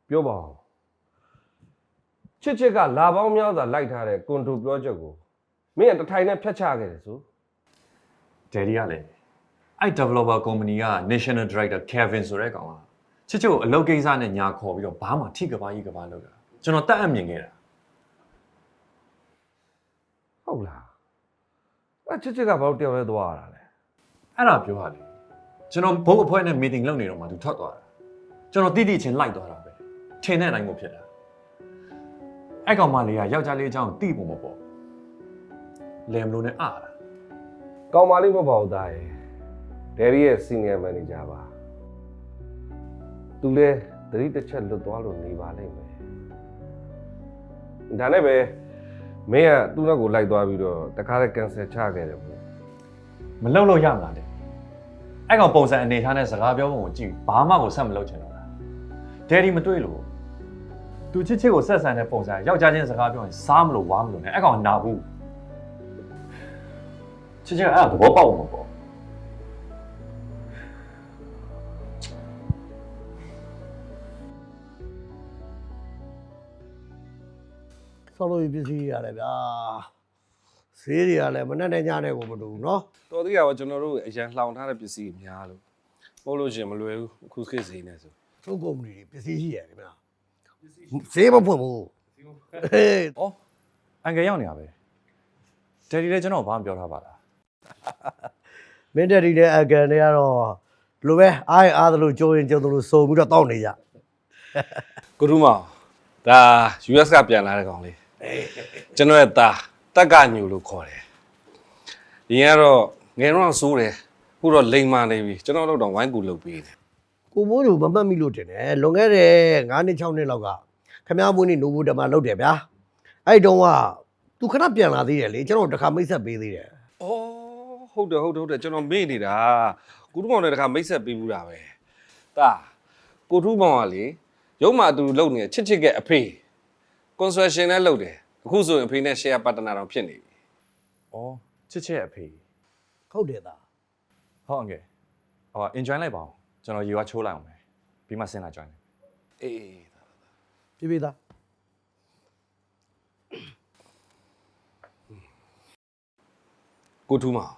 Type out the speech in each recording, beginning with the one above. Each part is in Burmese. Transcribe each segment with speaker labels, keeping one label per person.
Speaker 1: ပြောပါဦးချစ်ကလာပေါင်းများစွာလိုက်ထားတဲ့ကွန်တိုပြောချက်ကိုမင်းကတထိုင်နဲ့ဖျက်ချခဲ့တယ်ဆို
Speaker 2: Daddy ကလည်းအဲ့ developer company က national director Kevin ဆိုတဲ့ကောင်ကချစ်ကိုအလုပ်ကိစ္စနဲ့ညာခေါ်ပြီးတော့ဘာမှထိကဘာကြီးကဘာလုပ်တာကျွန်တော်တတ်အပ်မြင်ခဲ့တာ
Speaker 1: ဟုတ်လားအဲ့ချစ်ကဘာလို့တယောက်လဲသွားရတာလဲ
Speaker 2: အဲ့ဒါပြောရလေကျွန်တော်ဘုတ်အဖွဲ့နဲ့ meeting လုပ်နေတော့မှသူထွက်သွားတာကျွန်တော်တိတိချင်းလိုက်သွားတာပဲထင်တဲ့အတိုင်းကိုဖြစ်တာအဲ့ကောင်မလေးကယောက်ျားလေးအကြောင်းတိပုံမပေါ်လဲမလို့နဲ့အားတာ
Speaker 1: ကောင်းပါလိမ့်မပေါ့ဘူးသားရဲ့ဒယ်ရီရဲ့ senior manager ပါသူလဲသတိတစ်ချက်လွတ်သွားလို့နေပါလိမ့်မယ်ဒါနဲ့ပဲမင်းကသူ့နောက်ကိုလိုက်သွားပြီးတော့တခါတည်း cancel ချခဲ့တယ်ပေါ့
Speaker 2: မလုပ်လို့ရမလားတဲ့အဲ့ကောင်ပုံစံအနေထားနဲ့စကားပြောပုံကိုကြည့်ဘာမှကိုဆက်မလုပ်ချင်တော့တာဒယ်ဒီမတွေ့လို့သူချစ်ကိုဆက်ဆံတဲ့ပုံစံယောက်ျားချင်းစကားပြောရင်စားမလို့ဝါမလို့နဲ့အဲ့ကောင်နာဘူးချစ်အဲ့ဒါသဘောပေါက်မှာပေါ့
Speaker 3: ဆောက်လို့ပစ္စည်းရတယ်ဗျာဈေးတွေကလည်းမနဲ့နဲ့ညနဲ့ကိုမတူဘူးเนาะ
Speaker 1: တော်သေးရပါကျွန်တော်တို့အရန်လှောင်ထားတဲ့ပစ္စည်းများလို့ပို့လို့ရှင်မလွယ်ဘူးအခုခေတ်ဈေးနဲ့ဆို
Speaker 3: သုံးကုမ္ပဏီတွေပစ္စည်းရှိရတယ်ဗျာဈေးမဖွင့်ဘူးဟေး
Speaker 2: ဩအန်ကယ်ရောက်နေတာပဲဒယ်ဒီလည်းကျွန်တော်ဘာမှပြောထားပါလား
Speaker 3: မင်းတက်ဒီနဲ့အကန်တွေကတော့လိုပဲအားသလိုကြိုးရင်ကြုံသလိုစုံပြီးတော့တောက်နေကြ
Speaker 1: ကိုထူးမောင်ဒါ US ကပြန်လာတဲ့ကောင်လေးကျွန်တော်ရဲ့သားတက်ကညူလို့ခေါ်တယ်ဒီကတော့ငယ်တော့စိုးတယ်အခုတော့လိမ်မာနေပြီကျွန်တော်တို့တော့ဝိုင်းကူလုပ်ပေးတယ်
Speaker 3: ကိုမိုးတို့မမှတ်မိလို့တင်တယ်လွန်ခဲ့တဲ့9နှစ်6နှစ်လောက်ကခမားမွေးနေ့နိုဘူတမလုပ်တယ်ဗျာအဲ့တုန်းကသူခဏပြန်လာသေးတယ်လေကျွန်တော်တခါမိတ်ဆက်ပေးသေးတယ်
Speaker 1: ဩဟုတ်တယ်ကျွန်တော်မေ့နေတာကိုထူးမောင်လည်းတခါမိတ်ဆက်ပေးဘူးတာပဲသားကိုထူးမောင်ကလေရုံးမှာအတူလုပ်နေချစ်ကအဖေ construction နဲ့လုပ်တယ်အခုဆိုရင်အဖေနဲ့ share partner တောင်ဖြစ်နေပြီ
Speaker 2: ဩချစ်အဖေ
Speaker 3: ဟုတ်တယ်သား
Speaker 2: ဟုတ်အန်ကယ်ဟော enjoy လိုက်ပါအောင်ကျွန်တော်ရေဝါချိုးလိုက်အောင်ပဲပြီးမှဆင်းလာ join
Speaker 1: အေး
Speaker 3: ပြေးသား
Speaker 1: ကိုထူးမောင်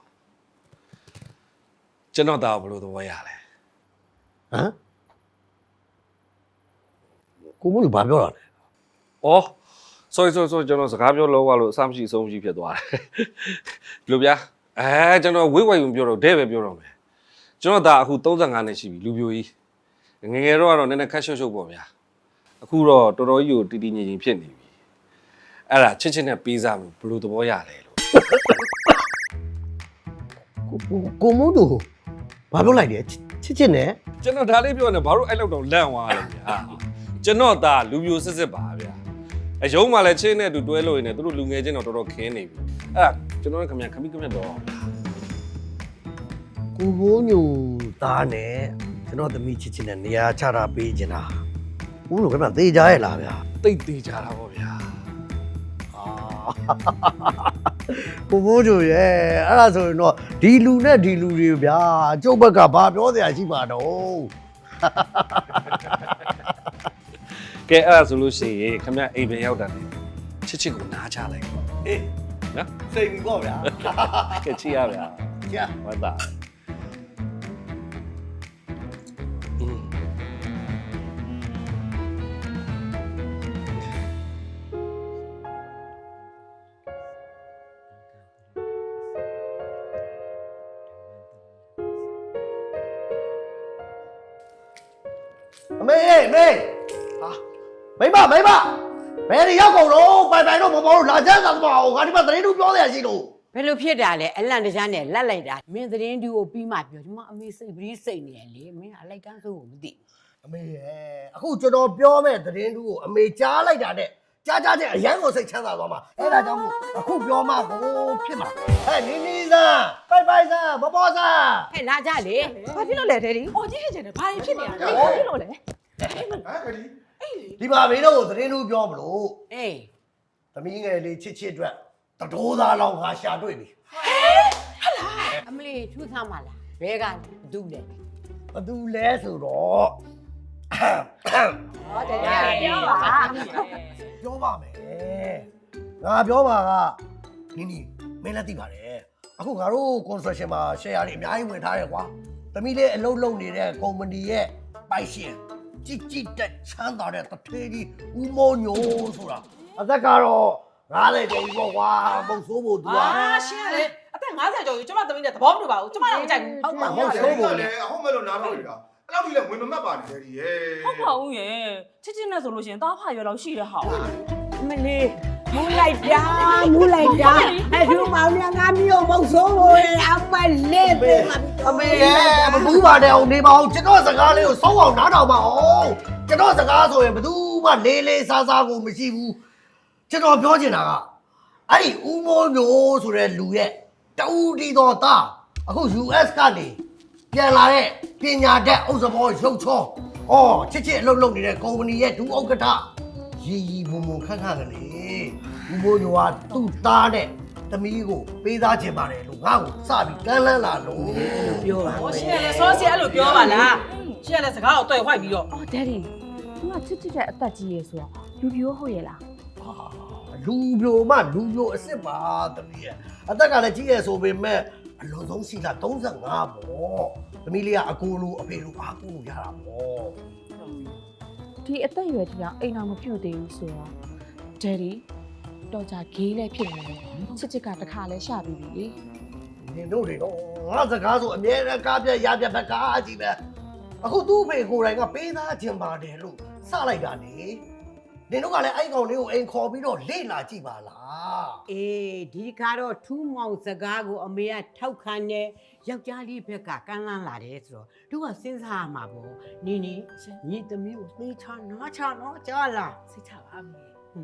Speaker 1: ကျွန်တော်သားဘယ်လိုသဘောရလဲ
Speaker 3: ဟမ်ကိုမိုးတို့ဘာပြောတာလဲ
Speaker 1: ။အော် sorry ကျွန်တော်စကားပြောလို့အဆမရှိအဆုံးမရှိဖြစ်သွားတယ်။လူဗျာကျွန်တော်ဝိတ်ဝိုင်ပြောတော့ဒဲပဲပြောတော့မယ်။ကျွန်တော်ဒါအခု35နှစ်ရှိပြီလူပြိုကြီး။ငယ်တော့ကတော့နည်းနည်းခက်ရှုပ်ပေါ့ဗျာ။အခုတော့တော်တော်ကြီးကိုတီတီငင်ငင်ဖြစ်နေပြီ။အဲ့ဒါချစ်နဲ့ပေးစားမှုဘယ်လိုသဘောရလဲလို့
Speaker 3: ကိုမိုးတို့ဘာပြောလိုက်လဲချစ်နဲ့
Speaker 1: ကျွန်တော်ဒါလေးပြောနေဘာလို့အဲ့လောက်တော့လန့်သွားလဲဗျာ။ကျွန်တော်ဒါလူပြိုစစ်ပါဗျာ။အယုံမှလည်းချင်းနဲ့တူတွဲလို့ရင်းနဲ့သူတို့လူငယ်ချင်းတော့တော်တော်ခင်းနေပြီ။အဲ့ဒါကျွန်တော်ခင်ဗျခမိတော့
Speaker 3: ကိုမိုးညိုသားနဲ့ကျွန်တော်သမီးချစ်နဲ့နေရာချတာပေးချင်တာဦးတို့ခင်ဗျသေကြရဲ့လားဗျာ
Speaker 1: တိတ်သေးကြတာပေါ့ဗျာ
Speaker 3: ကိုမိုးညိုရဲ့အဲ့ဒါဆိုရင်တော့ဒီလူနဲ့ဒီလူတွေဗျာကျုပ်ဘက်ကဘာပြောစရာရှိမှာတော့
Speaker 1: ကဲအဲ့ဒါဆိုလို့ရှိရင်ခင်ဗျအိမ်ပြန်ရောက်တာနဲ့ချစ်ကိုနားချလိုက်ပေါ့
Speaker 3: အေး
Speaker 1: နော်
Speaker 3: စိတ်ပြီပေါ့ဗျာ
Speaker 1: ကဲချစ်ရဗျာ
Speaker 3: ကြာ
Speaker 1: ဝတ်တာ
Speaker 3: အမေမေဟာမိမဘယ်နေရောက်ကုန်တော့ပိုင်တော့မပေါ်လို့လာချမ်းသာသမားငါဒီမှာသတင်းတူပြောစရာရှိလို့
Speaker 4: ဘယ်လိုဖြစ်တာလဲအလန့်တကြားနဲ့လက်လိုက်တာမင်းသတင်းတူကိုပြီးမှပြောဒီမှာအမေစိတ်ပြီးစိတ်နေရလေမင်းအလိုက်ကန်းဆိုးကိုမသိ
Speaker 3: အမေရဲ့အခုကျွန်တော်ပြောမဲ့သတင်းတူကိုအမေကြားလိုက်တာနဲ့ကြားတဲ့အရန်ကိုစိတ်ချမ်းသာသွားမှာအဲ့ဒါကြောင့်မို့အခုပြောမှကိုဖြစ်မှာဟဲ့နီစားပိုင်စားမပေါ်စား
Speaker 4: ဟဲ့လာကြလေ
Speaker 5: ဘာဖြစ်လို့လဲဒယ်ဒီ။အော်ကြီးဖြစ်နေတယ်။ဘာဖြစ်နေတာလဲ။ဘာဖြစ်လို့လဲ
Speaker 3: ဒီမှာမင်းတို့ကိုသတင်းတူပြောမလို့
Speaker 4: အေး
Speaker 3: သမီးငယ်လေးချစ်အတွက်တတိုးသားလောက်ငါရှာတွေ့ပြီ
Speaker 4: အမလေးထူးဆန်းပါလားဘဲကဒူးလေ
Speaker 3: ဘသူလဲဆိုတော့
Speaker 5: ဟုတ်တယ်ပြောပါ
Speaker 3: ပြောပါမယ်ငါပြောပါကနင်းနီမင်းလည်းသိပါတယ်အခုငါတို့ construction မှာ share တွေအများကြီးဝင်ထားတယ်ကွာသမီးလေးအလုပ်လုပ်နေတဲ့ company ရဲ့ပိုင်ရှင်ကြည်တက်ချမ်းသာတဲ့တထေးကြီးဦးမောညိုဆိုတာအသက်ကတော့90ကျော်ပြီပေါ့ကွာမုံဆိုးဖို့သူက
Speaker 5: ရှင်းရတယ်အသက်50ကျော်ကြီးကျမသမီးနဲ့သဘောမတူပါဘူးကျမလည်းမကြိုက်ဘူး
Speaker 3: ဟုတ်ပါမုံဆိုးဖို့လေ
Speaker 6: အဟုတ်မဲ့လို့နားထောင်နေတာအဲ့လောက်ကြီးလည်းဝင်မမှတ်ပါနဲ့ဒီရဲ့
Speaker 7: ဟုတ်ပါဦးရဲ့ချစ်ချစ်နဲ့ဆိုလို့ရှိရင်တားဖာရွယ်လောက်ရှိတဲ့ဟာ
Speaker 4: မလေးမူလိုက်တာအဲ့ဒီမောင်ရငါမျိုးမုတ်ဆိုးလို့အမလေးပေးမှာ
Speaker 3: အမေရဲ့မဘူးပါနဲ့အောင်နေပါအောင်ကျွန်တော်စကားလေးကိုစောင်းအောင်နားထောင်ပါအောင်ကျွန်တော်စကားဆိုရင်ဘယ်သူမှလေးလေးစားစားကိုမရှိဘူးကျွန်တော်ပြောချင်တာကအဲ့ဒီဦးမိုးမျိုးဆိုတဲ့လူရဲ့တူတီတော်သားအခု US ကနေပြန်လာတဲ့ပညာတတ်ဥစ္စာဘောရုပ်ချောချစ်အလုပ်လုပ်နေတဲ့ company ရဲ့ဒူဥက္ကဋ္ဌရီမုံမုံခန့်ခန့်ကလေးဦးမိုးမျိုးကသူ့သားတဲ့သမီးကိုပေးသားခြင်းပါတယ်လို့ငါ့ကိုစပြီးကမ်းလှမ်းလာလို့
Speaker 4: ပြောပါ
Speaker 5: ဟောရှင်းရတယ်စောစီအဲ့လိုပြောပါလားရှင်းရတဲ့စကားကိုတွေ့ဝိုက်ပြီးတော့
Speaker 7: အော်ဒက်ဒီသူကချစ်ချစ်တဲ့အသက်ကြီးရေဆိုတော့လူပြိုးဟုတ်ရဲ့လား
Speaker 3: လူပြိုမှလူပြိုအစ်စ်ပါသမီးရဲ့အသက်ကလည်းကြီးရဆိုပေမဲ့အလွန်ဆုံးရှိလာ35ပေါ့သမီးလေးကအကိုလိုအဖေလိုအားကိုလိုရတာပေါ့
Speaker 7: ဒီအသက်အရွယ်ကြီးအောင်အိမ်အောင်မပြုတ်သေးဘူးဆိုတော့ဒက်ဒီတော့ကြဂေးလည်းဖြစ်နေတယ်ချစ်ချစ်ကတစ်ခါလဲရှာပြီးပြီလေ
Speaker 3: နင်တို့တွေတော့ငါစကားဆိုအမြဲတမ်းကားပြရပြဘက်ကားကြီးပဲအခုသူ့အဖေကိုယ်တိုင်ကပေးသားခြင်းပါတယ်လို့စလိုက်တာလေနင်တို့ကလည်းအဲ့ကောင်လေးကိုအိမ်ခေါ်ပြီးတော့လေ့လာကြည့်ပါလား
Speaker 4: အေးဒီကတော့ထူးမောင်စကားကိုအမေကထောက်ခံတယ်ယောက်ျားလေးဘက်ကကမ်းလှမ်းလာတယ်ဆိုတော့သူကစဉ်းစားရမှာပေါ့နင်းညီသမီးကိုသိချနားချနော်ကြားလား
Speaker 5: စိတ်ချပါမယ်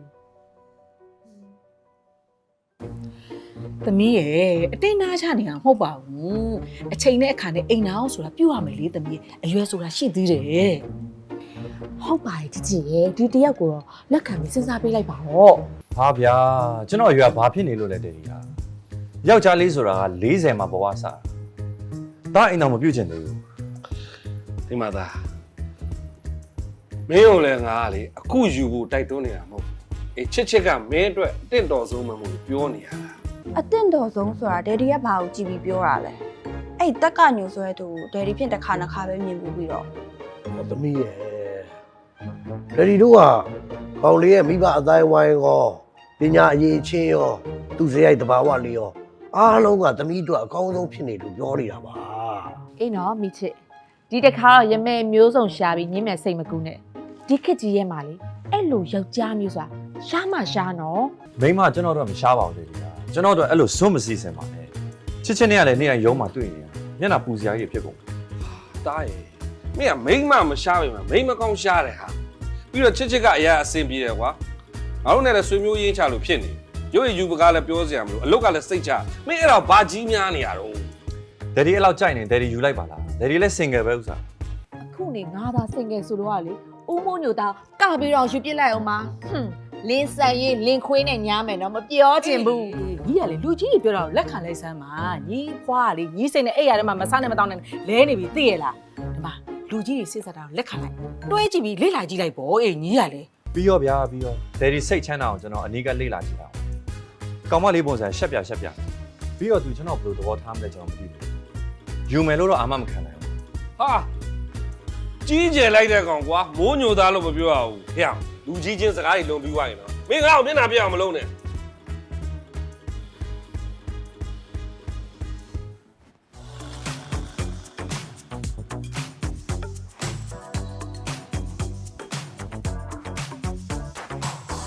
Speaker 7: သမီးရဲ့အတိတ်နာချနေတာမဟုတ်ပါဘူးအချိန်နဲ့အခါနဲ့အိမ်နာအောင်ဆိုတာပြုတ်ရမယ်လေသမီးအရွယ်ဆိုတာရှိသေးတယ်ဟုတ်ပါရဲ့ချစ်ချစ်ရဲ့ဒီတယောက်ကိုတော့လက်ခံပြီးစဉ်းစားပေးလိုက်ပါတော့
Speaker 2: ဟာဗျာကျွန်တော်ရွာဘာဖြစ်နေလို့လဲတဲ့ဒီဟာယောက်ျားလေးဆိုတာက40မှာဘဝစားတာအိမ်တော်မပြုတ်ချင်သေးဘူး
Speaker 1: ဒီမှာသားမင်းတို့လည်းငါကလေအခုယူဖို့တိုက်တွန်းနေတာမဟုတ်ဘူးအေးချစ်ကမင်းအတွက်တင့်တော်ဆုံးမှမဟုတ်ဘူးပြောနေရတာ
Speaker 8: အတင့်တော်ဆုံးဆိုတာဒယ်ဒီကဘာကိုကြည့်ပြီးပြောတာလဲအဲ့တက်ကညိုဆိုတဲ့သူဒယ်ဒီဖြင့်တစ်ခါနှစ်ခါပဲမြင်ဘူးပြီးတော့
Speaker 3: သမီးရဲ့ဒယ်ဒီတို့ကကောင်လေးရဲ့မိဘအတိုင်းဝိုင်းရောပညာအရေးချင်းရောသူစရိုက်တဘာဝလေးရောအားလုံးကသမီးတို့အကောင်းဆုံးဖြစ်နေလို့ပြောနေတာပါ
Speaker 7: အေးနော်မိချစ်ဒီတစ်ခါတော့ရမဲမျိုးစုံရှာပြီးညင်းမဲ့စိတ်မကူးနဲ့ဒီခက်ကြီးရဲ့မှာလေအဲ့လိုယောက်ျားမျိုးဆိုတာရှားမှရှားနော်
Speaker 2: မိမကျွန်တော်တို့ကမရှားပါဘူးတဲ့ဒီဟာကျွန်တော်တို့အဲ့လိုစွန့်မစည်းစင်ပါနဲ့ချစ်နဲ့ကလည်းနေ့တိုင်းရုံးမှာတွေ့နေရမျက်နှာပူစရာကြီးဖြစ်ကုန်
Speaker 1: တားရဲ့မင်းကမိန်းမမရှားပဲမှာမိန်းမကောင်းရှားတယ်ဟာပြီးတော့ချစ်ကအရာအဆင်ပြေတယ်ကွာငါတို့နဲ့လည်းဆွေမျိုးရင်းချလို့ဖြစ်နေရုပ်ရည်ယူပကားလည်းပြောစရာမလိုအလုတ်ကလည်းစိတ်ချမင်းအဲ့တော့ဘာကြီးများနေရတော့
Speaker 2: ဒယ်ဒီအဲ့လောက်ကြိုက်နေဒယ်ဒီယူလိုက်ပါလားဒယ်ဒီလည်း single ပဲဥစား
Speaker 7: အခုနေငါသာစင်ငယ်ဆိုတော့ကလေဦးမိုးညိုသားကပြီးတော့ယူပြစ်လိုက်အောင်ပါလင်းဆန်ရေးလင်းခွေးနဲ့ညားမယ်နော်မပြောချင်ဘူး
Speaker 5: ညီကလေလူကြီးတွေပြောတာကိုလက်ခံလိုက်စမ်းပါညီဖွားကလေညီစိတ်နဲ့အဲ့ရထဲမှာမဆနဲ့မတောင်းနဲ့လဲနေပြီသိရလားဒီမှာလူကြီးတွေစစ်စားတာကိုလက်ခံလိုက်တွဲကြည့်ပြီးလေ့လာကြည့်လိုက်ပေါ့အေးညီကလေ
Speaker 2: ပြီးရောဗျာပြီးရောဒယ်ဒီစိတ်ချမ်းသာအောင်ကျွန်တော်အနီးကလေ့လာကြည့်တာကောင်မလေးပုံစံရှက်ပြပြီးတော့သူကျွန်တော်ဘယ်လိုသဘောထားမလဲကျွန်တော်မသိဘူးယူမယ်လို့တော့အာမမခံနိုင်ဘူး
Speaker 1: ဟာကြီးကျယ်လိုက်တဲ့ကောင်ကွာမိုးညိုသားလို့မပြောရဘူးဟဲ့လူကြီးချင်းစကားတွေလုံပြီးွားရင်တော့မင်းငါ့ကိုမျက်နှာပြအောင်မလုပ်နဲ့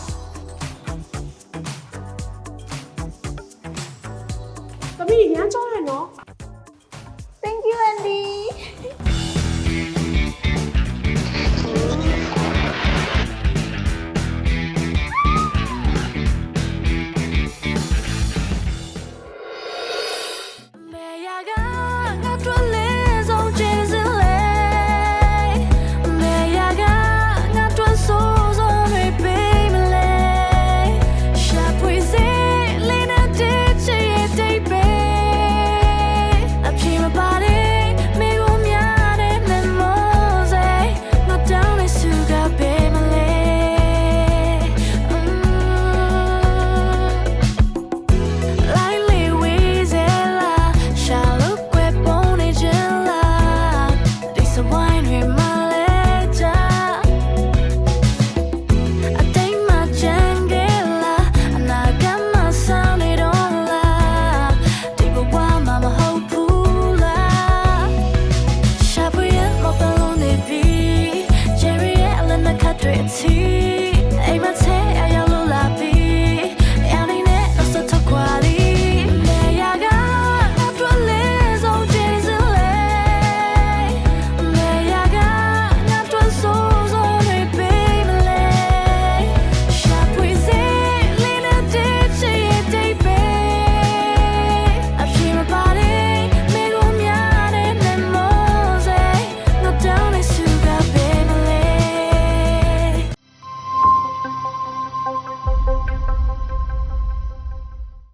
Speaker 5: သမီးရမ်းကြော